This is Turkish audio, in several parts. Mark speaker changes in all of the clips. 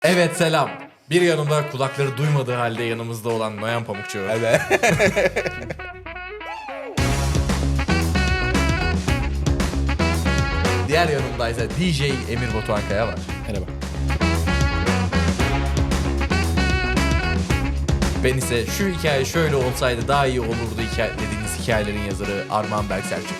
Speaker 1: Evet selam. Bir yanımda kulakları duymadığı halde yanımızda olan Noyan Pamukçu.
Speaker 2: Evet.
Speaker 1: Diğer yanımda ise DJ Emir Batuhan Kaya var.
Speaker 2: Merhaba.
Speaker 1: Ben ise şu hikaye şöyle olsaydı daha iyi olurdu dediğiniz hikayelerin yazarı Armağan Berk Selçuk.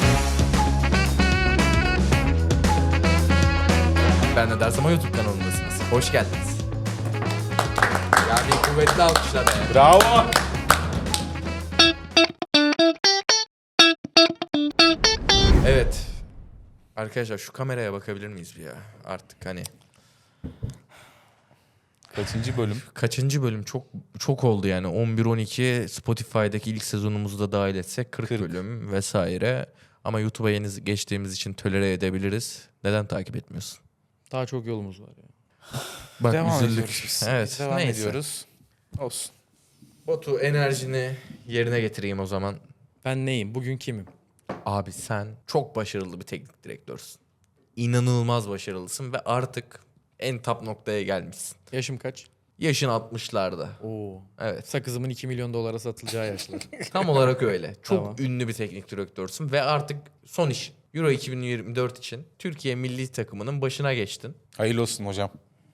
Speaker 1: Ben de dersem YouTube kanalındasınız. Hoş geldiniz. Ya bir kuvvetli alkışla be.
Speaker 2: Bravo.
Speaker 1: Evet. Arkadaşlar şu kameraya bakabilir miyiz bir ya? Artık hani
Speaker 2: Kaçıncı bölüm?
Speaker 1: kaçıncı bölüm çok oldu yani 11-12 Spotify'daki ilk sezonumuzu da dahil etsek 40 bölüm vesaire. Ama YouTube'a yeni geçtiğimiz için tolere edebiliriz. Neden takip etmiyorsun?
Speaker 3: Daha çok yolumuz var ya.
Speaker 1: Bak
Speaker 2: Devam
Speaker 1: üzüldük.
Speaker 2: ediyoruz biz.
Speaker 1: Evet.
Speaker 2: Devam
Speaker 1: neyse.
Speaker 2: ediyoruz. Olsun.
Speaker 1: Batu enerjini yerine getireyim o zaman.
Speaker 3: Ben neyim? Bugün kimim?
Speaker 1: Abi sen çok başarılı bir teknik direktörsün. İnanılmaz başarılısın ve artık en top noktaya gelmişsin.
Speaker 3: Yaşım kaç?
Speaker 1: Yaşın 60'larda.
Speaker 3: Oo.
Speaker 1: Evet.
Speaker 3: Sakızımın 2 milyon dolara satılacağı yaşlar.
Speaker 1: Tam olarak öyle. Çok
Speaker 3: Tamam.
Speaker 1: ünlü bir teknik direktörsün ve artık son iş Euro 2024 için Türkiye milli takımının başına geçtin.
Speaker 2: Hayırlı olsun hocam.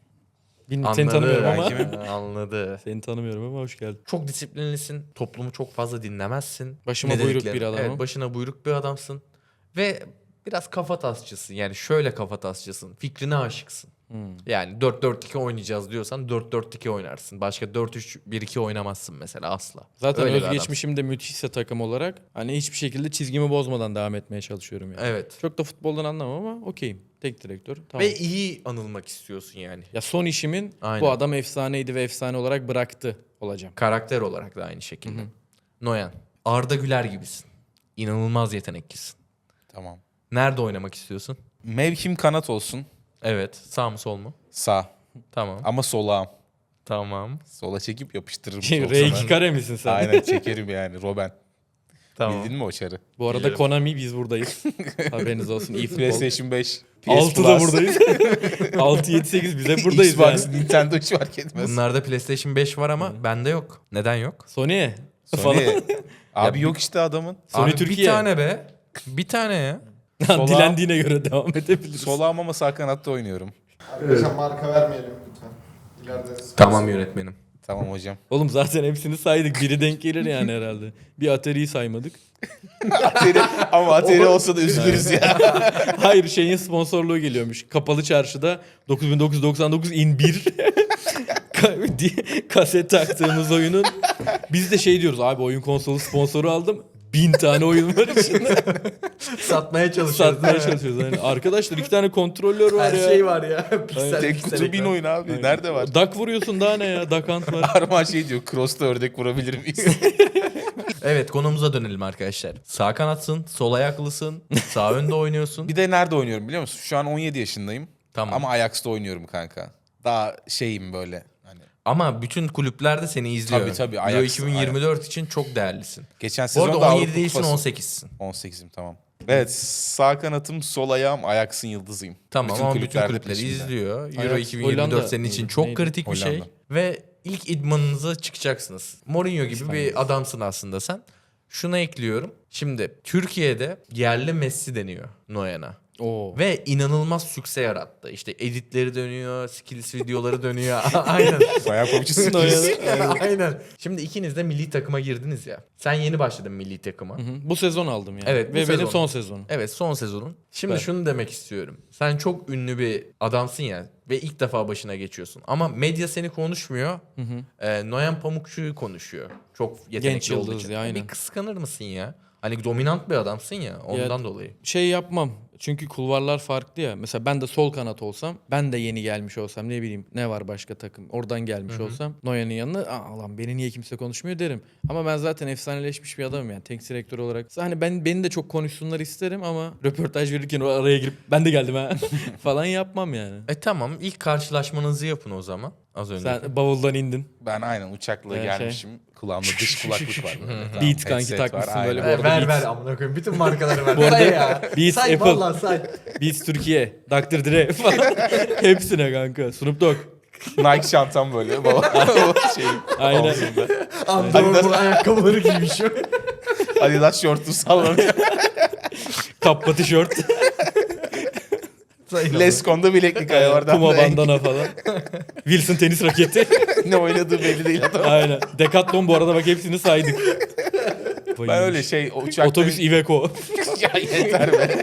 Speaker 3: Seni tanımıyorum ama.
Speaker 1: belki. Anladı.
Speaker 3: Seni tanımıyorum ama hoş geldin.
Speaker 1: Çok disiplinlisin. Toplumu çok fazla dinlemezsin.
Speaker 3: Başıma
Speaker 1: Ne
Speaker 3: buyruk
Speaker 1: dediklerini-
Speaker 3: bir adamım.
Speaker 1: Evet, başına buyruk bir adamsın. Ve biraz kafa tasçısın. Yani şöyle kafa tasçısın. Fikrine aşıksın. Yani 4-4-2 oynayacağız diyorsan 4-4-2 oynarsın. Başka 4-3-1-2 oynamazsın mesela asla.
Speaker 3: Zaten
Speaker 1: Öyle bir
Speaker 3: özgeçmişim de müthişse takım olarak hani hiçbir şekilde çizgimi bozmadan devam etmeye çalışıyorum yani.
Speaker 1: Evet.
Speaker 3: Çok da futboldan anlamam ama okeyim. Tek direktör. Tamam.
Speaker 1: Ve iyi anılmak istiyorsun yani.
Speaker 3: Ya son işimin
Speaker 1: Aynen.
Speaker 3: bu adam efsaneydi ve efsane olarak bıraktı olacağım.
Speaker 1: Karakter olarak da aynı şekilde. Noyan. Arda Güler gibisin. İnanılmaz yeteneklisin.
Speaker 2: Tamam.
Speaker 1: Nerede oynamak istiyorsun?
Speaker 2: Mevkim kanat olsun.
Speaker 1: Evet. Sağ mı sol mu?
Speaker 2: Sağ.
Speaker 1: Tamam.
Speaker 2: Ama solağım.
Speaker 1: Tamam.
Speaker 2: Sola çekip yapıştırırım.
Speaker 3: R2 kare misin sen?
Speaker 2: Aynen çekerim yani. Robben.
Speaker 1: Tamam.
Speaker 2: Bildin mi o çarı?
Speaker 3: Bu arada
Speaker 1: Bilirim.
Speaker 3: Konami biz buradayız. Haberiniz olsun. İyi futbol.
Speaker 2: PlayStation 5. PS
Speaker 3: 6 da buradayız. 6, 7, 8 biz hep buradayız
Speaker 2: Xbox,
Speaker 3: yani.
Speaker 2: Nintendo hiç fark etmez.
Speaker 1: Bunlarda PlayStation 5 var ama bende yok. Neden yok?
Speaker 3: Sony.
Speaker 2: Sony. Abi
Speaker 1: Ya
Speaker 2: yok işte adamın.
Speaker 3: Sony
Speaker 1: Abi
Speaker 3: Türkiye.
Speaker 1: bir tane be. Bir tane ya.
Speaker 2: Sola-
Speaker 3: Dilendiğine göre devam edebiliriz.
Speaker 2: Solağım ama sağ kanatta oynuyorum.
Speaker 4: Arkadaşlar marka vermeyelim lütfen. İleride
Speaker 1: Tamam yönetmenim.
Speaker 2: Tamam hocam.
Speaker 3: Oğlum zaten hepsini saydık. Biri denk gelir yani herhalde. Bir Atari'yi saymadık.
Speaker 2: Ama Atari olsa da üzülürüz ya.
Speaker 3: Hayır şeyin sponsorluğu geliyormuş. Kapalı çarşıda 9999 in 1 kaset taktığımız oyunun. Biz de şey diyoruz abi oyun konsolu sponsoru aldım. 1000 tane oyun var içinde.
Speaker 1: Satmaya çalışıyoruz.
Speaker 3: Satmaya çalışıyoruz. Yani arkadaşlar 2 tane kontrolör var
Speaker 1: Her
Speaker 3: ya.
Speaker 1: şey var ya. Piksel
Speaker 2: Tek
Speaker 1: piksel
Speaker 2: kutu bin
Speaker 1: ekran.
Speaker 2: oyun abi. Nerede var?
Speaker 3: Dak vuruyorsun daha ne ya? Dakant var.
Speaker 2: Arman şey diyor. Cross'ta ördek vurabilir miyiz?
Speaker 1: Evet konumuza dönelim arkadaşlar. Sağ kanatsın, sol ayaklısın, sağ önde oynuyorsun.
Speaker 2: Bir de nerede oynuyorum biliyor musun? Şu an 17 yaşındayım.
Speaker 1: Tamam.
Speaker 2: Ama Ajax'ta oynuyorum kanka. Daha şeyim böyle. Hani
Speaker 1: Ama bütün kulüpler de seni izliyor.
Speaker 2: Tabii,
Speaker 1: Euro
Speaker 2: Ajax,
Speaker 1: 2024 için çok değerlisin.
Speaker 2: geçen
Speaker 1: Bu
Speaker 2: sezon
Speaker 1: arada
Speaker 2: da
Speaker 1: 17 değilsin
Speaker 2: Kupası.
Speaker 1: 18'sin.
Speaker 2: 18'im tamam. Evet sağ kanatım sol ayağım Ajax'ın yıldızıyım.
Speaker 1: Tamam ama bütün
Speaker 2: kulüplerde
Speaker 1: kulüpleri
Speaker 2: peşimde.
Speaker 1: izliyor. Euro
Speaker 3: Ajax,
Speaker 1: 2024
Speaker 3: Hollanda
Speaker 1: senin için
Speaker 3: mıydı?
Speaker 1: çok
Speaker 3: Neydi?
Speaker 1: kritik bir şey.
Speaker 2: Hollanda.
Speaker 1: Ve ilk idmanınıza çıkacaksınız. Mourinho gibi bir adamsın aslında sen. Şuna ekliyorum. Şimdi Türkiye'de yerli Messi deniyor Noyan'a.
Speaker 3: Oo.
Speaker 1: Ve inanılmaz sükse yarattı. İşte editleri dönüyor, skills videoları dönüyor. Aynen.
Speaker 2: Bayağı komşusun.
Speaker 1: Aynen. Şimdi ikiniz de milli takıma girdiniz ya. Sen yeni başladın milli takıma.
Speaker 3: Hı hı. Bu sezon aldım yani.
Speaker 1: Evet, bu
Speaker 3: Ve
Speaker 1: sezon.
Speaker 3: benim son sezonum.
Speaker 1: Evet son sezonun. Şimdi
Speaker 3: Evet.
Speaker 1: şunu demek istiyorum. Sen çok ünlü bir adamsın ya ve ilk defa başına geçiyorsun. Ama medya seni konuşmuyor. Noyan Pamukçu'yu konuşuyor. Çok yetenekli
Speaker 3: Genç
Speaker 1: olduğu
Speaker 3: yıldız
Speaker 1: için.
Speaker 3: ya, aynen.
Speaker 1: Bir kıskanır mısın ya? Hani dominant bir adamsın ya ondan dolayı.
Speaker 3: Şey yapmam. Çünkü kulvarlar farklı ya. Mesela ben de sol kanat olsam, ben de yeni gelmiş olsam ne bileyim ne var başka takım. Oradan gelmiş olsam Neuer'in yanına aa lan beni niye kimse konuşmuyor derim. Ama ben zaten efsaneleşmiş bir adamım yani teknik direktör olarak. Hani beni de çok konuşsunlar isterim ama röportaj verirken o araya girip ben de geldim ha falan yapmam yani.
Speaker 1: Tamam ilk karşılaşmanızı yapın o zaman. Az önce.
Speaker 3: Sen bavuldan indin.
Speaker 2: Ben aynen uçakla gelmişim. Kulağımda dış kulaklık var.
Speaker 3: Beats kanki
Speaker 2: Headset
Speaker 3: takmışsın
Speaker 2: var,
Speaker 3: böyle
Speaker 2: aynen.
Speaker 3: bu arada Beats.
Speaker 1: amına koyayım. Bütün markaları ver.
Speaker 3: Bu arada
Speaker 1: Say ya.
Speaker 3: Beats,
Speaker 1: Say
Speaker 3: Apple.
Speaker 1: vallahi say.
Speaker 3: Beats Türkiye, Dr. Dre falan. Hepsine kanka. Snoop Dogg.
Speaker 2: Nike çantam böyle. Baba, şey,
Speaker 3: Aynen.
Speaker 2: omzumda.
Speaker 1: Andorra ayakkabıları giymiş.
Speaker 2: Adidas şortum sallanıyor.
Speaker 3: Kappa tişört,
Speaker 2: Lescon'da bileklik ayağı var.
Speaker 3: Puma bandana falan. Wilson tenis raketi.
Speaker 2: Ne oynadığı belli değil adam.
Speaker 3: Aynen. Decathlon bu arada bak hepsini saydık.
Speaker 2: Ben öyle şey uçakta...
Speaker 3: Otobüs Iveco.
Speaker 2: Ya yeter be.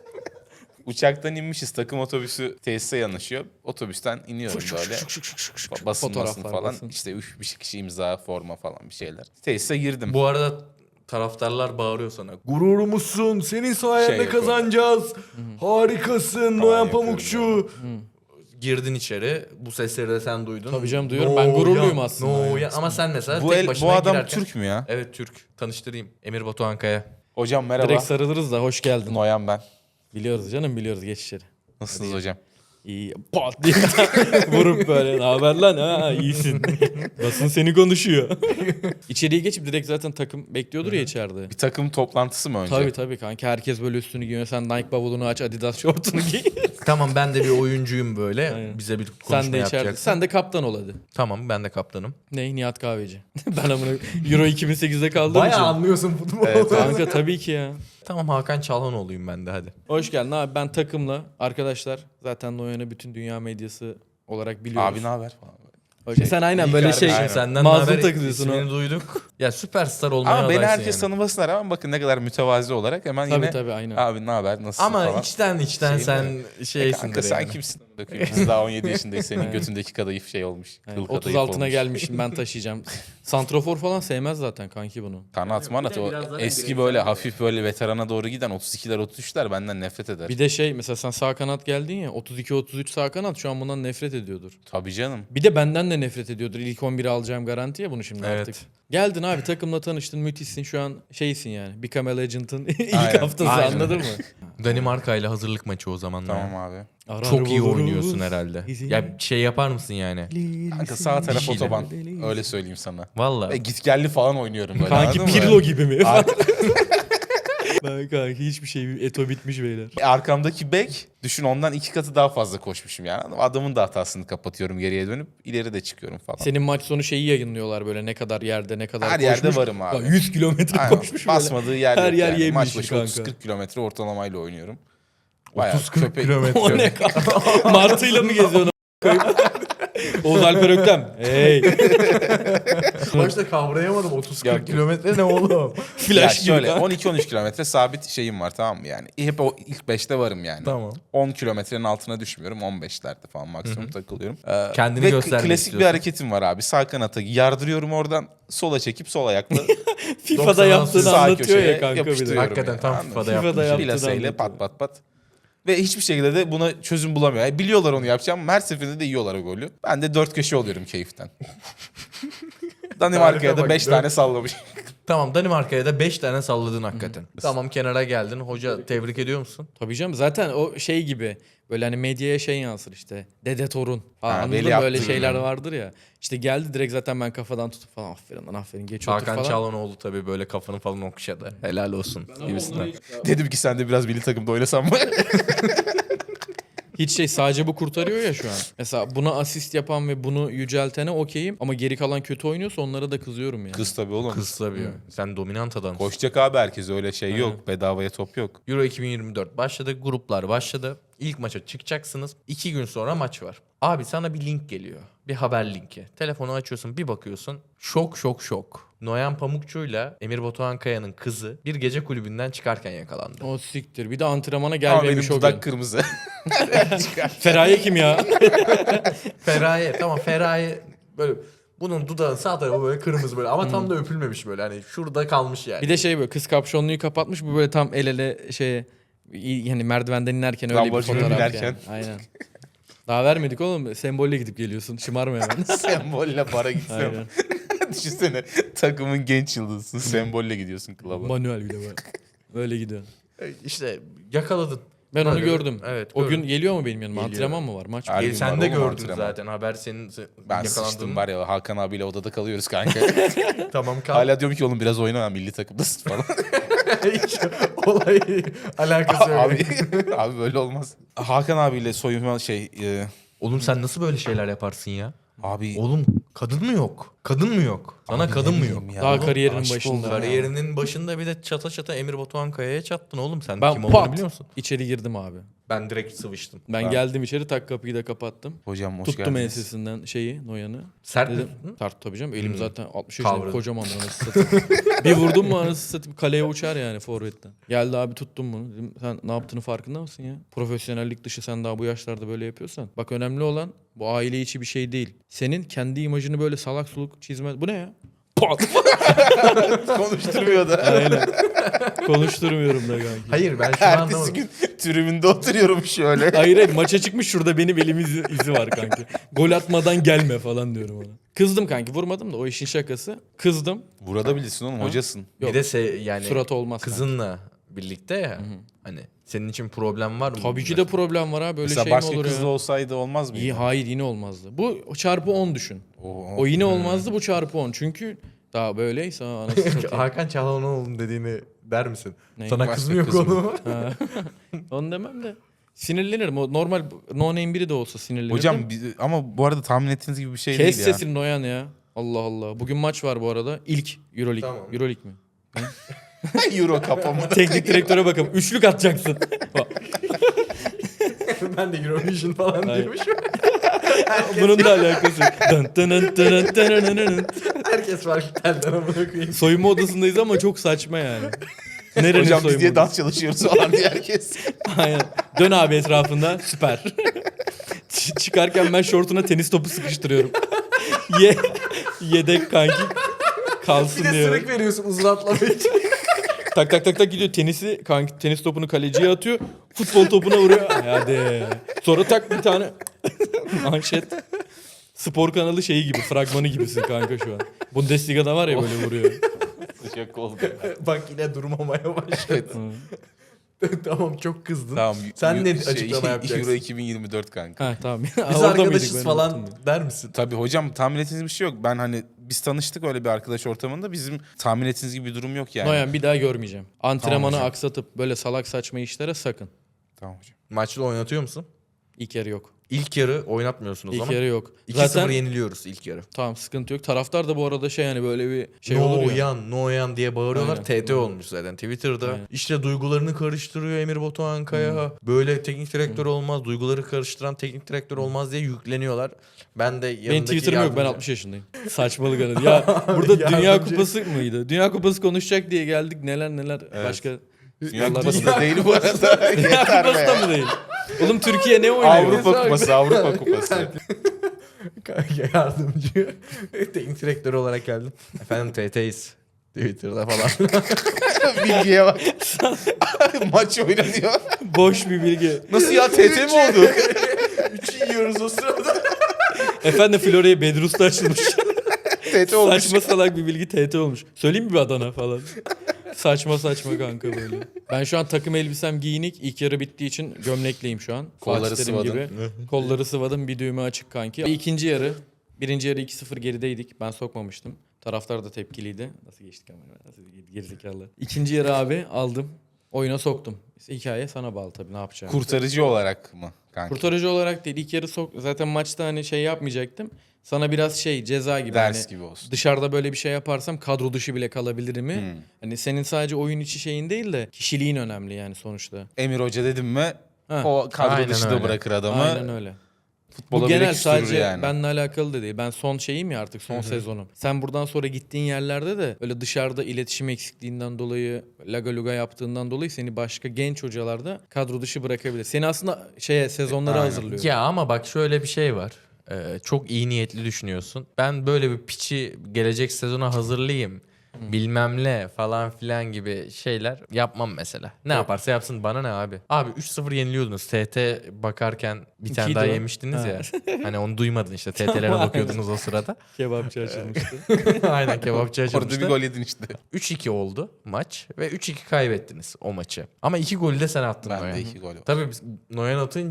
Speaker 2: Uçaktan inmişiz. Takım otobüsü tesise yanaşıyor. Otobüsten iniyorum böyle. Basılmasın
Speaker 3: Fotoğraflar
Speaker 2: falan.
Speaker 3: basın.
Speaker 2: İşte bir kişi imza, forma falan bir şeyler. Tesise girdim.
Speaker 1: Bu arada taraftarlar bağırıyor sana. Gururumuzsun. Senin sayende
Speaker 2: Şey yapıyorum.
Speaker 1: kazanacağız. Harikasın Noyan
Speaker 2: yapıyorum
Speaker 1: Pamukçu. Girdin içeri. Bu sesleri de sen duydun.
Speaker 3: Tabii canım, duyuyorum. Ben gururluyum aslında.
Speaker 1: Noyan. Ama sen mesela
Speaker 2: Bu,
Speaker 1: tek başına
Speaker 2: bu adam
Speaker 1: girerken...
Speaker 2: Türk mü ya?
Speaker 1: Evet Türk. Tanıştırayım. Emir Batuhan Kaya.
Speaker 2: Hocam merhaba.
Speaker 3: Direkt sarılırız da hoş geldin.
Speaker 2: Noyan ben.
Speaker 3: Biliyoruz canım, biliyoruz, geç içeri.
Speaker 2: Nasılsınız hocam?
Speaker 3: İyi. Pat diye vurup böyle ne haber lan, ha iyisin. Basın seni konuşuyor. İçeriye geçip direkt zaten takım bekliyordur ya içeride.
Speaker 2: Bir takım toplantısı mı önce?
Speaker 3: Tabii kanka, herkes böyle üstünü giyiyor. Sen Nike bavulunu aç, Adidas şortunu giy.
Speaker 1: Tamam ben de bir oyuncuyum böyle.
Speaker 3: Aynen.
Speaker 1: Bize bir konuşma
Speaker 3: Sen de içeride.
Speaker 1: yapacaksın.
Speaker 3: Sen de kaptan ol hadi.
Speaker 1: Tamam ben de kaptanım.
Speaker 3: Ne? Nihat Kahveci. Ben amına Euro 2008'de kaldığım için.
Speaker 1: anlıyorsun futbolu.
Speaker 2: Evet,
Speaker 3: Kanka tabii ki ya.
Speaker 1: Tamam Hakan Çalhanoğlu'yum ben de hadi.
Speaker 3: Hoş geldin abi. Ben takımla arkadaşlar zaten Noyan'ı bütün dünya medyası olarak biliyoruz.
Speaker 2: Abi ne haber falan.
Speaker 3: Sen aynen
Speaker 1: İyi
Speaker 3: böyle
Speaker 1: kardeşim,
Speaker 3: şey
Speaker 2: aynen.
Speaker 1: senden
Speaker 3: mazlum
Speaker 1: haber
Speaker 3: takılıyorsun
Speaker 1: ismini
Speaker 3: o.
Speaker 1: duyduk. Ya süperstar olmaya
Speaker 2: Ama beni
Speaker 1: adaysın
Speaker 2: herkes
Speaker 1: yani.
Speaker 2: tanımasına rağmen bakın ne kadar mütevazi olarak hemen
Speaker 3: Tabii
Speaker 2: yine
Speaker 3: tabii aynen.
Speaker 2: abi ne haber nasılsın
Speaker 1: Ama
Speaker 2: falan.
Speaker 1: içten
Speaker 2: Şey
Speaker 1: sen
Speaker 2: mi?
Speaker 1: şeysindir
Speaker 2: Kanka sen
Speaker 1: yani.
Speaker 2: kimsin? Biz daha 17 yaşındayız. Senin götündeki kadayıf şey olmuş.
Speaker 3: Yani
Speaker 2: Kıl
Speaker 3: 30
Speaker 2: kadayıf
Speaker 3: altına
Speaker 2: olmuş.
Speaker 3: gelmişim, ben taşıyacağım. Santrofor falan sevmez zaten kanki bunu.
Speaker 2: Kanat manat o
Speaker 1: biraz daha
Speaker 2: eski böyle hafif böyle veterana doğru giden 32'ler 33'ler benden nefret eder.
Speaker 3: Bir de şey, mesela sen sağ kanat geldin ya, 32-33 sağ kanat şu an bundan nefret ediyordur.
Speaker 2: Tabii canım.
Speaker 3: Bir de benden de nefret ediyordur. İlk 11'i alacağım garanti ya bunu şimdi
Speaker 1: Evet.
Speaker 3: artık. Geldin abi, takımla tanıştın, müthişsin, şu an şeysin yani. Become a Legend'ın ilk
Speaker 2: Aynen,
Speaker 3: haftası,
Speaker 1: aynen.
Speaker 3: anladın mı?
Speaker 1: Danimarka ile hazırlık maçı o zamanlar.
Speaker 2: Tamam abi.
Speaker 3: Arar
Speaker 1: Çok iyi
Speaker 3: buluruz.
Speaker 1: oynuyorsun herhalde. Ya şey yapar mısın yani?
Speaker 2: Kanka sağ taraf
Speaker 1: şeyler.
Speaker 2: otoban. Öyle söyleyeyim sana.
Speaker 1: Valla.
Speaker 2: Ve gitgelli falan oynuyorum böyle.
Speaker 3: Kanki
Speaker 2: anladın mı?
Speaker 3: Pirlo gibi mi?
Speaker 2: Ar-
Speaker 3: Ben kanki hiçbir şey, Eto bitmiş beyler.
Speaker 2: Arkamdaki bek düşün ondan 2 katı daha fazla koşmuşum yani. Adamın da hatasını kapatıyorum geriye dönüp ileri de çıkıyorum falan.
Speaker 3: Senin maç sonu şeyi yayınlıyorlar böyle, ne kadar yerde ne kadar
Speaker 2: Her
Speaker 3: koşmuş.
Speaker 2: yerde varım abi.
Speaker 3: Lan 100 kilometre
Speaker 2: Aynen.
Speaker 3: koşmuş böyle.
Speaker 2: Basmadığı yer
Speaker 3: Her
Speaker 2: yok
Speaker 3: yer
Speaker 2: yani.
Speaker 3: yemiş
Speaker 2: Maç başı
Speaker 3: kanka.
Speaker 2: 30-40 kilometre ortalamayla oynuyorum. Bayağı
Speaker 1: 30-40 kilometre.
Speaker 3: O ne kanka? Martıyla mı geziyorsun? Oğuz Alper Öktem. Hey.
Speaker 1: Başta kavrayamadım 30-40
Speaker 2: Yok.
Speaker 1: kilometre ne oğlum?
Speaker 2: Ya
Speaker 3: Flash gibi
Speaker 2: şöyle
Speaker 3: kanka.
Speaker 2: 12-13 kilometre sabit şeyim var tamam mı yani. Hep o ilk 5'te varım yani.
Speaker 1: Tamam.
Speaker 2: 10 kilometrenin altına düşmüyorum. 15'lerde falan maksimum takılıyorum.
Speaker 1: Kendini
Speaker 2: ve
Speaker 1: göstermek
Speaker 2: klasik
Speaker 1: istiyorsun.
Speaker 2: bir hareketim var abi. Sağ kanata yardırıyorum oradan. Sola çekip sol ayakla
Speaker 3: FIFA'da yaptığını
Speaker 2: sağ
Speaker 3: anlatıyor
Speaker 2: köşeye
Speaker 3: ya kanka bir de.
Speaker 2: yapıştırıyorum.
Speaker 1: Hakikaten tam
Speaker 2: Anladın mı?
Speaker 1: FIFA'da
Speaker 3: FIFA'da
Speaker 1: yaptım.
Speaker 3: yaptığını
Speaker 2: Plaseyle
Speaker 3: anlatıyor.
Speaker 2: pat pat pat. Ve hiçbir şekilde de buna çözüm bulamıyor. Yani biliyorlar onu yapacağım. Her seferinde de yiyorlar o golü. Ben de 4 köşe oluyorum keyiften. Danimarka'ya
Speaker 1: Tarife
Speaker 2: da
Speaker 1: bak,
Speaker 2: 5 tane sallamış.
Speaker 1: Tamam Danimarka'ya da 5 tane salladın hakikaten. Tamam kenara geldin. Hoca tebrik ediyor musun?
Speaker 3: Tabii canım, zaten o şey gibi böyle hani medyaya şey yansır işte. Dede torun falan,
Speaker 2: Ha,
Speaker 3: anladın
Speaker 2: Veli
Speaker 3: mı? Böyle
Speaker 2: Abdülhamid.
Speaker 3: şeyler vardır ya. İşte geldi direkt zaten ben kafadan tutup falan aferin lan aferin geç otur
Speaker 1: Hakan
Speaker 3: falan.
Speaker 1: Çalhanoğlu tabii böyle kafanı falan okşadı. Helal olsun gibisinden.
Speaker 2: Dedim ki sen de biraz milli takımda oynasan mı?
Speaker 3: Hiç şey, sadece bu kurtarıyor ya şu an. Mesela buna asist yapan ve bunu yüceltene okeyim ama geri kalan kötü oynuyorsa onlara da kızıyorum yani.
Speaker 2: Kız tabii oğlum.
Speaker 1: Kız tabii. Sen dominant adamsın.
Speaker 2: Koşacak abi herkes öyle şey yok. Bedavaya top yok.
Speaker 1: Euro 2024 başladı. Gruplar başladı. İlk maça çıkacaksınız. 2 gün sonra maç var. Abi sana bir link geliyor. Bir haber linki. Telefonu açıyorsun bir bakıyorsun. Şok şok şok. Noyan Pamukçu'yla Emir Batuhan Kaya'nın kızı bir gece kulübünden çıkarken yakalandı.
Speaker 3: O siktir. Bir de antrenmana
Speaker 2: Ama benim
Speaker 3: gelmemiş o gün.
Speaker 2: dudak kırmızı.
Speaker 3: Feraye kim ya?
Speaker 1: Feraye tamam Feraye böyle bunun dudağı sağ tarafı böyle kırmızı böyle ama tam da öpülmemiş böyle hani şurada kalmış yani.
Speaker 3: Bir de şey böyle kız kapşonluyu kapatmış, bu böyle tam el ele şeye yani merdivenden inerken öyle bir
Speaker 2: Lamborghini
Speaker 3: fotoğraf
Speaker 2: binerken.
Speaker 3: yani. Aynen. Daha vermedik oğlum. Sembolle gidip geliyorsun. Şımarma hemen.
Speaker 2: Sembolle para gitsem.
Speaker 3: Aynen.
Speaker 2: Düşünsene takımın genç yıldızısın. Sembolle gidiyorsun klaba.
Speaker 3: Manuel bile var. Böyle gidiyor.
Speaker 1: İşte yakaladın.
Speaker 3: Ben onu
Speaker 1: Böyle,
Speaker 3: gördüm.
Speaker 1: evet,
Speaker 3: O
Speaker 1: gördüm.
Speaker 3: gün geliyor mu benim yanıma?
Speaker 1: Geliyor.
Speaker 3: Antrenman mı var? Maç mı?
Speaker 2: Her
Speaker 1: E,
Speaker 2: gün
Speaker 1: sen
Speaker 2: var
Speaker 1: de
Speaker 2: oğlum
Speaker 1: gördün
Speaker 2: antrenman.
Speaker 1: zaten haber senin
Speaker 2: Ben sıçtım var ya Hakan abiyle odada kalıyoruz kanka.
Speaker 1: Tamam kal.
Speaker 2: Hala diyorum ki oğlum biraz oyna milli takımdasın falan.
Speaker 1: Hiç olay alakası yok.
Speaker 2: abi, abi böyle olmaz. Hakan abiyle soyunma
Speaker 1: Oğlum sen nasıl böyle şeyler yaparsın ya?
Speaker 2: Abi
Speaker 1: Oğlum kadın mı yok? Kadın mı yok? Sana
Speaker 2: Abi
Speaker 1: kadın
Speaker 2: ne
Speaker 1: mı
Speaker 2: bileyim
Speaker 1: yok?
Speaker 2: ya.
Speaker 3: Daha
Speaker 2: Oğlum,
Speaker 3: kariyerinin
Speaker 2: aşık
Speaker 3: başında.
Speaker 2: oldum ya.
Speaker 1: Kariyerinin başında bir de çata çata Emir Batuhan Kaya'ya çattın oğlum. Sen
Speaker 3: Ben
Speaker 1: kim olduğunu
Speaker 3: pat
Speaker 1: biliyor musun?
Speaker 3: içeri girdim abi.
Speaker 1: Ben direkt sıvıştım.
Speaker 3: Ben geldim içeri, tak kapıyı da kapattım.
Speaker 2: Hocam hoş
Speaker 3: Tuttum
Speaker 2: geldiniz.
Speaker 3: ensesinden Noyan'ı.
Speaker 1: Sert mi?
Speaker 3: Dedim, tart tabii canım. Elim zaten 60 yaşında
Speaker 1: Kavradı.
Speaker 3: kocaman anasını satayım. Bir vurdum mu anasını satayım kaleye uçar yani forvetten. Geldi abi, tuttum bunu. Dedim, sen ne yaptığını farkında mısın ya? Profesyonellik dışı sen daha bu yaşlarda böyle yapıyorsan. Bak önemli olan bu aile içi bir şey değil. Senin kendi imajını böyle salak suluk çizme. Bu ne ya? Pat!
Speaker 2: Konuşturmuyor da.
Speaker 3: Aynen. Konuşturmuyorum da kanki.
Speaker 1: Hayır ben şunu
Speaker 2: Ertesi
Speaker 1: anlamadım.
Speaker 2: gün tribünde oturuyorum şöyle.
Speaker 3: Hayır maça çıkmış, şurada benim elim izi var kanki. Gol atmadan gelme falan diyorum ona. Kızdım kanki, vurmadım da o işin şakası. Kızdım.
Speaker 2: Vurabilirsin oğlum, hocasın.
Speaker 3: Yok.
Speaker 1: Bir de yani
Speaker 3: Suratı olmaz
Speaker 1: kızınla birlikte ya. Hani senin için problem var mı?
Speaker 3: Tabii ki de problem var ha, böyle
Speaker 2: Mesela
Speaker 3: şey mi
Speaker 2: başka
Speaker 3: olur
Speaker 2: kızla
Speaker 3: ya?
Speaker 2: olsaydı olmaz mıydı?
Speaker 3: İyi, hayır yine olmazdı. Bu çarpı 10 düşün.
Speaker 2: Oo.
Speaker 3: O yine olmazdı, bu çarpı 10. Çünkü daha böyleyse anasını satayım.
Speaker 1: Hakan Çalhanoğlu'nun dediğini der misin?
Speaker 3: Ne?
Speaker 1: Sana
Speaker 2: Başka
Speaker 1: kız mı yok
Speaker 2: kız mı?
Speaker 1: oğlum?
Speaker 3: Ha. Onu demem de. Sinirlenirim. O normal no name biri de olsa sinirlenirim.
Speaker 2: Hocam ama bu arada tahmin ettiğiniz gibi bir şey
Speaker 3: Kes
Speaker 2: değil ya.
Speaker 3: sesini Noyan ya. Allah Allah. Bugün maç var bu arada. İlk Euroleague.
Speaker 1: Tamam.
Speaker 3: Euroleague mi?
Speaker 2: Euro kapama.
Speaker 3: Teknik direktöre bakalım. Üçlük atacaksın.
Speaker 1: Ben de Eurovision falan
Speaker 3: Hayır.
Speaker 1: diyormuşum.
Speaker 3: Bunun da alakası yok. Dın dın dın dın dın dın dın.
Speaker 1: Herkes farklı telden amına koyayım.
Speaker 3: Soyunma odasındayız ama çok saçma yani. Nerenin
Speaker 2: Hocam biz
Speaker 3: soyunma
Speaker 2: diye
Speaker 3: odası?
Speaker 2: dans çalışıyoruz falan diye herkes.
Speaker 3: Aynen. Dön abi etrafında. Süper. Çıkarken ben şortuna tenis topu sıkıştırıyorum. Yedek kanki kalsın
Speaker 1: Bir de
Speaker 3: diye.
Speaker 1: sırık veriyorsun uzun atlamak için.
Speaker 3: Tak tak tak tak gidiyor, tenisi kanki, tenis topunu kaleciye atıyor. Futbol topuna vuruyor. Hadi. Sonra tak bir tane manşet. Spor kanalı şeyi gibi, fragmanı gibisin kanka şu an. Bundesliga'da var ya böyle vuruyor.
Speaker 2: Sıcak oldu.
Speaker 1: Bak yine durmamaya başladı. Tamam çok kızdın.
Speaker 2: Tamam.
Speaker 1: Sen ne açıklama yapacaksın?
Speaker 2: Euro 2024 kanka.
Speaker 3: Ha tamam.
Speaker 1: Biz
Speaker 3: Orada mıydık?
Speaker 1: arkadaşız
Speaker 3: Ben
Speaker 1: falan
Speaker 3: unuttum
Speaker 1: der misin?
Speaker 2: Tabii hocam, tahmin ettiğiniz bir şey yok. Ben hani biz tanıştık öyle bir arkadaş ortamında. Bizim tahmin ettiğiniz gibi bir durum yok yani.
Speaker 3: Noyan bir daha görmeyeceğim. Antrenmanı
Speaker 2: hocam.
Speaker 3: aksatıp böyle salak saçma işlere sakın.
Speaker 2: Tamam hocam.
Speaker 1: Maçta oynatıyor musun?
Speaker 3: İlk yarı yok.
Speaker 1: İlk yarı oynatmıyorsun o
Speaker 3: İlk
Speaker 1: zaman.
Speaker 3: yarı yok.
Speaker 1: 2-0
Speaker 3: Zaten
Speaker 1: yeniliyoruz ilk yarı.
Speaker 3: tamam, sıkıntı yok. Taraftar da bu arada şey yani böyle bir şey olur ya.
Speaker 1: No yan diye bağırıyorlar.
Speaker 3: Aynen.
Speaker 1: TT olmuş zaten Twitter'da.
Speaker 3: Aynen.
Speaker 1: İşte duygularını karıştırıyor Emir Batuhan Kaya. Böyle teknik direktör olmaz. Duyguları karıştıran teknik direktör olmaz diye yükleniyorlar. Ben de yanındaki
Speaker 3: Benim Twitter'ım yok, ben
Speaker 1: yardımcı-
Speaker 3: 60 yaşındayım. Saçmalık anı. Ya burada Dünya
Speaker 1: Yardımcı.
Speaker 3: Kupası mıydı? Dünya Kupası konuşacak diye geldik, neler başka.
Speaker 2: Dünya
Speaker 3: Allah
Speaker 2: Kupası
Speaker 3: razı
Speaker 2: da değil bu arada.
Speaker 3: Dünya
Speaker 2: Yeter
Speaker 3: Kupası da
Speaker 2: be.
Speaker 3: mı değil? Oğlum Türkiye ne oynuyor?
Speaker 2: Avrupa Kupası, Avrupa Kupası.
Speaker 1: Yardımcı teknik direktör olarak geldim. Efendim TT'yiz. Twitter'da falan.
Speaker 2: Bilgiye bak. Maç oynanıyor.
Speaker 3: Boş bir bilgi.
Speaker 2: Nasıl ya, TT mi oldu?
Speaker 1: 3'ü yiyoruz o sırada.
Speaker 3: Efendim Florya'ya Bedrus'ta açılmış.
Speaker 2: TT olmuş.
Speaker 3: Saçma salak bir bilgi, TT olmuş. Söyleyeyim mi bir Adana falan? Saçma kanka böyle. Ben şu an takım elbisem giyinik. İlk yarı bittiği için gömlekliyim şu an.
Speaker 2: Kolları
Speaker 3: Fatih Terim
Speaker 2: sıvadın.
Speaker 3: gibi. Kolları sıvadım, bir düğme açık kanki. İkinci yarı. Birinci yarı 2-0 gerideydik. Ben sokmamıştım. Taraftar da tepkiliydi. Nasıl geçtik ama? Nasıl gerizekalı. İkinci yarı abi aldım. Oyuna soktum. Hikaye sana bağlı tabii, ne yapacağım.
Speaker 2: Kurtarıcı olarak mı kanka?
Speaker 3: Kurtarıcı olarak değil. İlk yarı zaten maçta hani şey yapmayacaktım. Sana biraz şey ceza gibi.
Speaker 2: Ders
Speaker 3: hani
Speaker 2: gibi olsun.
Speaker 3: dışarıda böyle bir şey yaparsam kadro dışı bile kalabilirim mi?
Speaker 2: Hmm.
Speaker 3: Hani senin sadece oyun içi şeyin değil de kişiliğin önemli yani sonuçta.
Speaker 2: Emir Hoca dedim mi
Speaker 3: Ha.
Speaker 2: o kadro
Speaker 1: Aynen
Speaker 2: dışı da
Speaker 1: öyle.
Speaker 2: bırakır adamı.
Speaker 3: Aynen öyle.
Speaker 2: Futbola
Speaker 3: Bu
Speaker 2: bile
Speaker 3: genel,
Speaker 2: küstürür
Speaker 3: sadece
Speaker 2: yani.
Speaker 3: benimle alakalı da değil. Ben son şeyim ya artık, son sezonum. Sen buradan sonra gittiğin yerlerde de öyle dışarıda iletişim eksikliğinden dolayı, laga luga yaptığından dolayı seni başka genç hocalarda kadro dışı bırakabilir. Seni aslında sezonlara
Speaker 2: Aynen.
Speaker 3: hazırlıyor.
Speaker 1: Ya ama bak şöyle bir şey var. Çok iyi niyetli düşünüyorsun. Ben böyle bir piçi gelecek sezona hazırlayayım. Bilmem ne falan filan gibi şeyler yapmam mesela. Ne yaparsa yapsın, bana ne abi. Abi 3-0 yeniliyordunuz. TT bakarken bir tane
Speaker 3: İkiydi
Speaker 1: daha
Speaker 3: o.
Speaker 1: yemiştiniz
Speaker 3: Ha.
Speaker 1: ya. Hani onu duymadın işte. TT'lere bakıyordunuz o sırada.
Speaker 3: Kebapçı açılmıştı.
Speaker 1: Aynen kebapçı
Speaker 2: Orada
Speaker 1: açılmıştı.
Speaker 2: bir gol yedin işte.
Speaker 1: 3-2 oldu maç ve 3-2 kaybettiniz o maçı. Ama 2 golü de sen attın
Speaker 2: Ben
Speaker 1: Noyan.
Speaker 2: de 2 gol var.
Speaker 1: Tabii biz Noyan atınca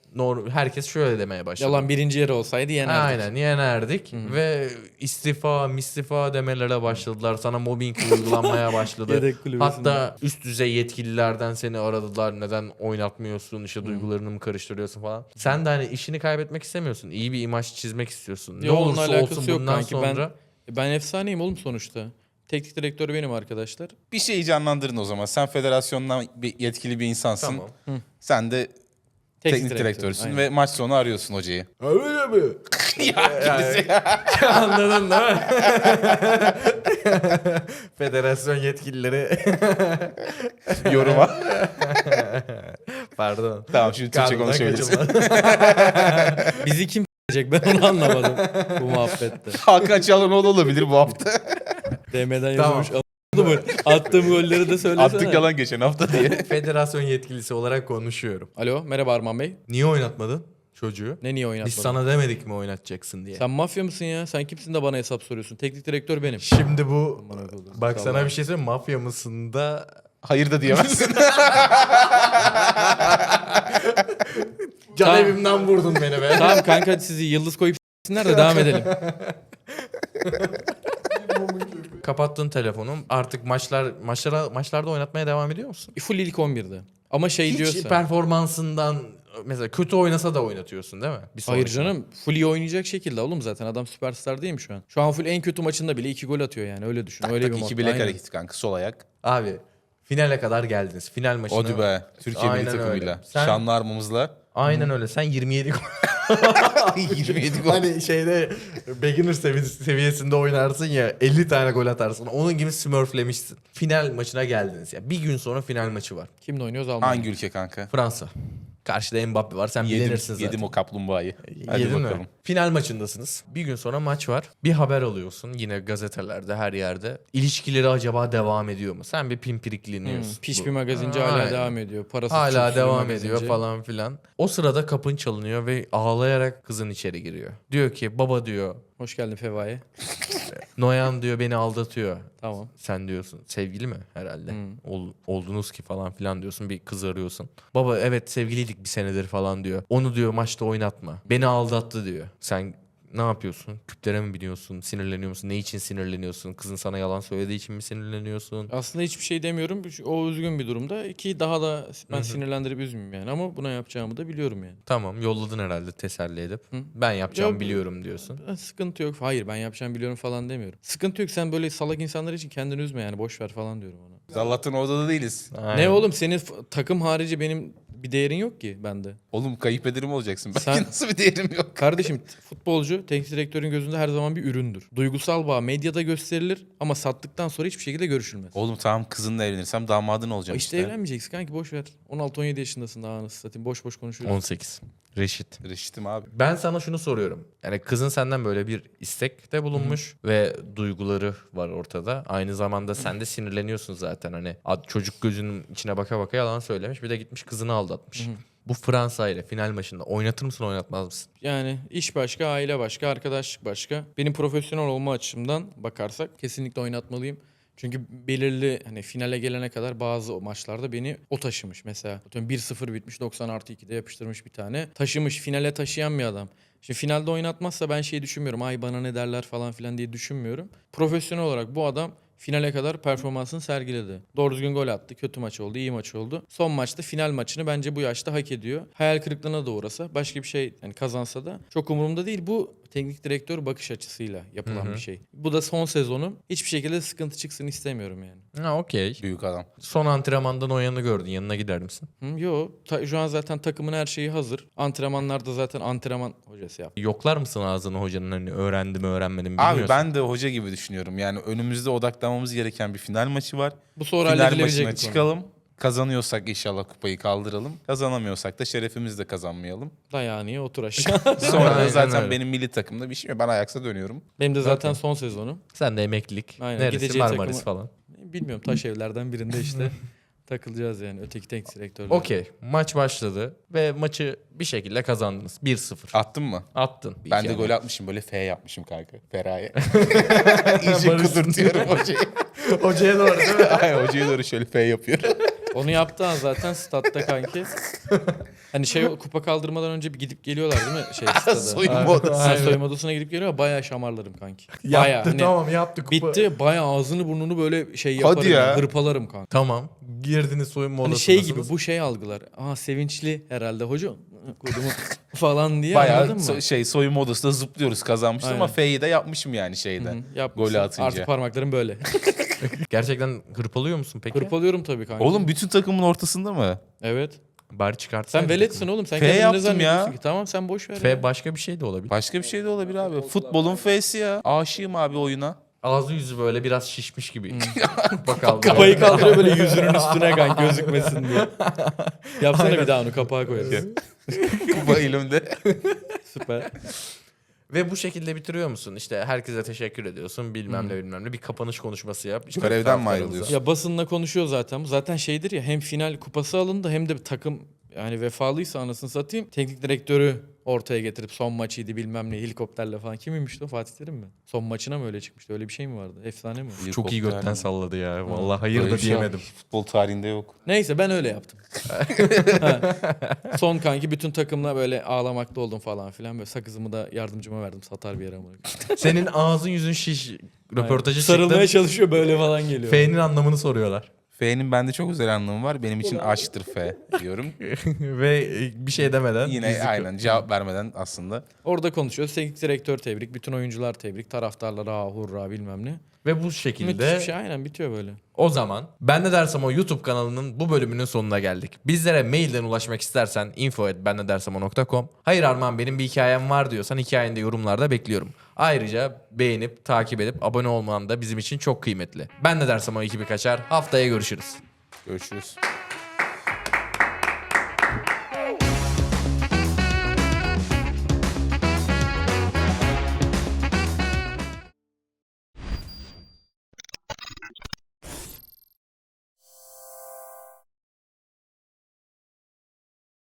Speaker 1: herkes şöyle demeye başladı.
Speaker 3: Yalan birinci yeri olsaydı yenerdik.
Speaker 1: Aynen yenerdik ve istifa demelere başladılar. Sana mobbing uygulanmaya başladı.
Speaker 3: Yedek kulübesinde.
Speaker 1: Hatta üst düzey yetkililerden seni aradılar. Neden oynatmıyorsun? İşte duygularını mı karıştırıyorsun falan. Sen de hani işini kaybetmek istemiyorsun. İyi bir imaj çizmek istiyorsun. Ne
Speaker 3: Yo, onunla
Speaker 1: olursa
Speaker 3: alakası
Speaker 1: olsun
Speaker 3: yok
Speaker 1: bundan
Speaker 3: kanki.
Speaker 1: sonra.
Speaker 3: Ben efsaneyim oğlum sonuçta. Teknik direktör benim arkadaşlar.
Speaker 2: Bir şeyi canlandırın o zaman. Sen federasyondan yetkili bir insansın.
Speaker 1: Tamam.
Speaker 2: Sen de teknik direktörsün
Speaker 3: Aynen.
Speaker 2: ve maç sonu arıyorsun hocayı.
Speaker 1: Öyle mi?
Speaker 2: Yani,
Speaker 1: Anladın değil mi? Federasyon yetkilileri.
Speaker 2: yoruma.
Speaker 1: Pardon.
Speaker 2: Tamam şimdi Türkçe
Speaker 1: Karnından
Speaker 2: konuşabiliriz.
Speaker 3: Bizi kim s**ecek ben onu anlamadım bu muhabbette.
Speaker 2: Hakan Çalhanoğlu olabilir bu hafta.
Speaker 3: DM'den
Speaker 1: Tamam.
Speaker 3: yazılmış. Anladın mı? Attığım golleri de söylesene.
Speaker 2: Attık yalan geçen hafta diye.
Speaker 1: Federasyon yetkilisi olarak konuşuyorum.
Speaker 3: Alo merhaba Arman Bey.
Speaker 1: Niye oynatmadın çocuğu?
Speaker 3: Ne niye oynatmadın?
Speaker 1: Biz sana demedik mi oynatacaksın diye.
Speaker 3: Sen mafya mısın ya? Sen kimsin de bana hesap soruyorsun? Teknik direktör benim.
Speaker 1: Şimdi bu bak
Speaker 3: Sağ
Speaker 1: sana
Speaker 3: ol.
Speaker 1: bir şey söyleyeyim mi? Mafya mısın da
Speaker 2: Hayır da diyemezsin.
Speaker 1: can
Speaker 3: Tamam.
Speaker 1: evimden vurdun beni be.
Speaker 3: Tamam kanka sizi yıldız koyup s**sinler de devam edelim.
Speaker 1: Kapattın telefonu. Artık maçlarda oynatmaya devam ediyor musun?
Speaker 3: Full ilk 11'de. Ama şey
Speaker 1: Hiç
Speaker 3: diyorsa.
Speaker 1: performansından mesela kötü oynasa da oynatıyorsun değil mi? Bir
Speaker 3: Hayır
Speaker 1: sonraki
Speaker 3: canım. Full iyi oynayacak şekilde oğlum zaten. Adam süperstar değil mi şu an? Şu an full en kötü maçında bile 2 gol atıyor yani. Öyle düşün. Öyle bir
Speaker 2: Tak
Speaker 3: mod.
Speaker 2: iki bilek
Speaker 3: Aynen.
Speaker 2: hareketi kanka sol ayak.
Speaker 1: Abi finale kadar geldiniz. Final maçına.
Speaker 2: Hadi be. Türkiye milli
Speaker 1: Aynen
Speaker 2: takımıyla.
Speaker 1: öyle. Sen-
Speaker 2: Şanlı armamızla.
Speaker 1: Aynen öyle. Sen 27 gol.
Speaker 2: 27 gol.
Speaker 1: Hani şeyde beginner seviyesinde oynarsın ya 50 tane gol atarsın. Onun gibi smurflemişsin. Final maçına geldiniz ya. Bir gün sonra final maçı var.
Speaker 3: Kimle oynuyoruz Almanya?
Speaker 2: Hangi ülke kanka?
Speaker 1: Fransa. Karşıda Mbappe var. Sen bilenirsin zaten.
Speaker 2: Yedim o kaplumbağayı. Hadi
Speaker 1: Yedin
Speaker 2: bakalım.
Speaker 1: mi? Final maçındasınız. Bir gün sonra maç var. Bir haber alıyorsun yine gazetelerde her yerde. İlişkileri acaba devam ediyor mu? Sen bir pimpirikleniyorsun.
Speaker 3: Piş
Speaker 1: Bu-
Speaker 3: bir magazinci
Speaker 1: Aynen.
Speaker 3: hala devam ediyor. Parası
Speaker 1: Hala devam ediyor falan filan. O sırada kapın çalınıyor ve ağlayarak kızın içeri giriyor. Diyor ki baba diyor
Speaker 3: Hoş geldin Feva'ya.
Speaker 1: Noyan diyor beni aldatıyor.
Speaker 3: Tamam.
Speaker 1: Sen diyorsun sevgili mi herhalde? Oldunuz ki falan filan diyorsun bir kız arıyorsun. Baba evet sevgiliydik bir senedir falan diyor. Onu diyor maçta oynatma. Beni aldattı diyor. Sen ne yapıyorsun? Küplere mi biniyorsun? Sinirleniyor musun? Ne için sinirleniyorsun? Kızın sana yalan söylediği için mi sinirleniyorsun?
Speaker 3: Aslında hiçbir şey demiyorum. O üzgün bir durumda ki daha da ben sinirlendirip üzmeyeyim yani. Ama buna yapacağımı da biliyorum yani.
Speaker 1: Tamam yolladın herhalde teselli edip. Ben yapacağım
Speaker 3: Yok.
Speaker 1: biliyorum diyorsun.
Speaker 3: Sıkıntı yok. Hayır ben yapacağımı biliyorum falan demiyorum. Sıkıntı yok sen böyle salak insanlar için kendini üzme yani boş ver falan diyorum ona.
Speaker 2: Biz Allah'tan orada da değiliz.
Speaker 3: Ne
Speaker 1: Aynen.
Speaker 3: oğlum senin takım harici benim bir değerin yok ki bende.
Speaker 2: Oğlum kayıp ederim olacaksın. Belki
Speaker 3: Sen-
Speaker 2: nasıl bir değerim yok.
Speaker 3: Kardeşim futbolcu teknik direktörün gözünde her zaman bir üründür. Duygusal bağ medyada gösterilir ama sattıktan sonra hiçbir şekilde görüşülmez.
Speaker 2: Oğlum tamam kızınla evlenirsem damadın olacağım
Speaker 3: İşte
Speaker 2: işte.
Speaker 3: evlenmeyeceksin kanki boş ver. 16-17 yaşındasın daha anasını satayım. Boş boş konuşuyorsun.
Speaker 1: 18. Reşit.
Speaker 2: Reşit'im abi.
Speaker 1: Ben sana şunu soruyorum. Yani kızın senden böyle bir istekte bulunmuş ve duyguları var ortada. Aynı zamanda sen de sinirleniyorsun zaten. Hani çocuk gözünün içine baka baka yalan söylemiş. Bir de gitmiş kızını aldatmış. Bu Fransa ile final maçında oynatır mısın oynatmaz mısın?
Speaker 3: Yani iş başka, aile başka, arkadaşlık başka. Benim profesyonel olma açımdan bakarsak kesinlikle oynatmalıyım. Çünkü belirli hani finale gelene kadar bazı o maçlarda beni o taşımış. Mesela atıyorum 1-0 bitmiş 90+2'de yapıştırmış bir tane. Taşımış finale taşıyan bir adam. Şimdi finalde oynatmazsa ben şey düşünmüyorum. Ay bana ne derler falan filan diye düşünmüyorum. Profesyonel olarak bu adam finale kadar performansını sergiledi. Doğru düzgün gol attı. Kötü maç oldu, iyi maç oldu. Son maçta final maçını bence bu yaşta hak ediyor. Hayal kırıklığına da uğrasa, başka bir şey yani kazansa da çok umurumda değil. Bu teknik direktör bakış açısıyla yapılan bir şey. Bu da son sezonu. Hiçbir şekilde sıkıntı çıksın istemiyorum yani.
Speaker 1: Ha okey.
Speaker 2: Büyük adam.
Speaker 1: Son antrenmandan Noyan'ı gördün. Yanına gider misin?
Speaker 3: Yo, şu an zaten takımın her şeyi hazır. Antrenmanlarda zaten antrenman hocası yaptı.
Speaker 1: Yoklar mısın ağzını hocanın hani öğrendi mi öğrenmedi mi bilmiyorsun.
Speaker 2: Abi ben de hoca gibi düşünüyorum. Yani önümüzde odaklanmamız gereken bir final maçı var.
Speaker 3: Bu sonra
Speaker 2: Final
Speaker 3: halledilebilecek
Speaker 2: maçına
Speaker 3: bir konu.
Speaker 2: çıkalım. Kazanıyorsak inşallah kupayı kaldıralım. Kazanamıyorsak da şerefimizi de kazanmayalım.
Speaker 3: Dayağını otur aşağı.
Speaker 2: Sonra da
Speaker 1: Aynen
Speaker 2: zaten
Speaker 1: öyle.
Speaker 2: benim milli takımda bir şey yok. Ben Ajax'a dönüyorum.
Speaker 3: Benim de zaten son sezonum.
Speaker 1: Sen de emeklilik.
Speaker 3: Aynen,
Speaker 1: Neresi
Speaker 3: gideceği
Speaker 1: Marmaris
Speaker 3: takımı-
Speaker 1: falan.
Speaker 3: Bilmiyorum taş evlerden birinde işte takılacağız yani öteki teknik direktörle.
Speaker 1: Okey. Maç başladı ve maçı bir şekilde kazandınız. 1-0.
Speaker 2: Attın mı?
Speaker 1: Attın.
Speaker 2: Ben de
Speaker 1: İki
Speaker 2: gol
Speaker 1: ama.
Speaker 2: atmışım böyle F yapmışım kanka. Feraye. İyice kudurtuyorum hocayı.
Speaker 1: Hocaya doğru değil mi?
Speaker 2: Ay hocaya doğru şöyle F yapıyorum.
Speaker 3: Onu yaptığı an zaten statta kanki. Hani kupa kaldırmadan önce bir gidip geliyorlar değil mi? Stada.
Speaker 2: Soyunma odası.
Speaker 3: Ha, soyunma odasına gidip geliyor. Bayağı şamarlarım kanki. Bayağı.
Speaker 1: Yaptı
Speaker 3: Hani
Speaker 1: tamam yaptı kupa.
Speaker 3: bitti. Bayağı ağzını burnunu böyle yaparım.
Speaker 2: Hadi ya.
Speaker 3: Yani, hırpalarım kanka.
Speaker 1: Tamam. Girdiniz soyunma
Speaker 3: Hani
Speaker 1: odasındasınız.
Speaker 3: gibi bu algılar. Sevinçli herhalde hoca. Kodumu falan diye anladın mı?
Speaker 2: Bayağı soyunma odasında zıplıyoruz kazanmıştım ama
Speaker 3: Aynen.
Speaker 2: F'yi de yapmışım yani şeyde.
Speaker 3: Yapmışsın.
Speaker 2: Golü atınca.
Speaker 3: Artık parmaklarım böyle.
Speaker 1: Gerçekten hırpalıyor musun peki?
Speaker 3: Hırpalıyorum tabii kanka.
Speaker 2: Oğlum bütün takımın ortasında mı?
Speaker 3: Evet.
Speaker 1: Bari çıkartsaydın.
Speaker 3: Sen veletsin oğlum. Sen
Speaker 2: F
Speaker 3: kendini ne
Speaker 2: yaptım
Speaker 3: zannediyorsun
Speaker 2: ya.
Speaker 3: ki? Tamam sen boş ver.
Speaker 1: F
Speaker 3: ya.
Speaker 1: başka bir şey de olabilir.
Speaker 2: Başka bir şey de olabilir abi. Futbolun F'si ya. Aşığım abi oyuna.
Speaker 1: Ağzı yüzü böyle biraz şişmiş gibi. Bakalım.
Speaker 3: Kafayı kaldırıyor böyle yüzünün üstüne kanka gözükmesin diye. Yapsana bir daha onu kapağa koyarız.
Speaker 2: Kupa elimde.
Speaker 3: Süper.
Speaker 1: Ve bu şekilde bitiriyor musun? İşte herkese teşekkür ediyorsun. Bilmem ne. Bir kapanış konuşması yap. İşte
Speaker 2: Görevden mi
Speaker 1: taraftarımıza-
Speaker 2: ayrılıyorsun?
Speaker 3: Ya basınla konuşuyor zaten. Zaten şeydir ya hem final kupası alındı hem de bir takım yani vefalıysa anasını satayım. Teknik direktörü ortaya getirip son maçıydı bilmem ne helikopterle falan. Kimmiş o Fatih Terim mi? Son maçına mı öyle çıkmıştı? Öyle bir şey mi vardı? Efsane mi?
Speaker 1: Çok iyi götten salladı ya. Vallahi
Speaker 2: Böyle
Speaker 1: hayır da
Speaker 2: bir şey
Speaker 1: diyemedim.
Speaker 2: Futbol tarihinde yok.
Speaker 3: Neyse ben öyle yaptım. Ha. Son kanki bütün takımla böyle ağlamakta oldum falan filan. Böyle sakızımı da yardımcıma verdim satar bir yere ama.
Speaker 1: Senin ağzın yüzün şiş. Röportajı
Speaker 3: Sarılmaya
Speaker 1: çıktın.
Speaker 3: çalışıyor böyle falan geliyor.
Speaker 1: F'nin anlamını soruyorlar.
Speaker 2: F'nin bende çok özel anlamı var. Benim için aşktır F diyorum.
Speaker 1: Ve bir şey demeden.
Speaker 2: Yine
Speaker 1: yüzük-
Speaker 2: aynen cevap vermeden aslında.
Speaker 3: Orada konuşuyoruz. Teknik direktör tebrik, bütün oyuncular tebrik, taraftarlar hurra bilmem ne.
Speaker 1: Ve bu
Speaker 3: Müthiş
Speaker 1: şekilde
Speaker 3: bir şey aynen bitiyor böyle.
Speaker 1: o zaman Ben Ne Dersem O YouTube kanalının bu bölümünün sonuna geldik. Bizlere mailden ulaşmak istersen info@bennedersemo.com. Hayır Arman benim bir hikayem var diyorsan hikayeni de yorumlarda bekliyorum. Ayrıca beğenip, takip edip abone olman da bizim için çok kıymetli. Ben Ne Dersem O ekibi kaçar. Haftaya görüşürüz.
Speaker 2: Görüşürüz.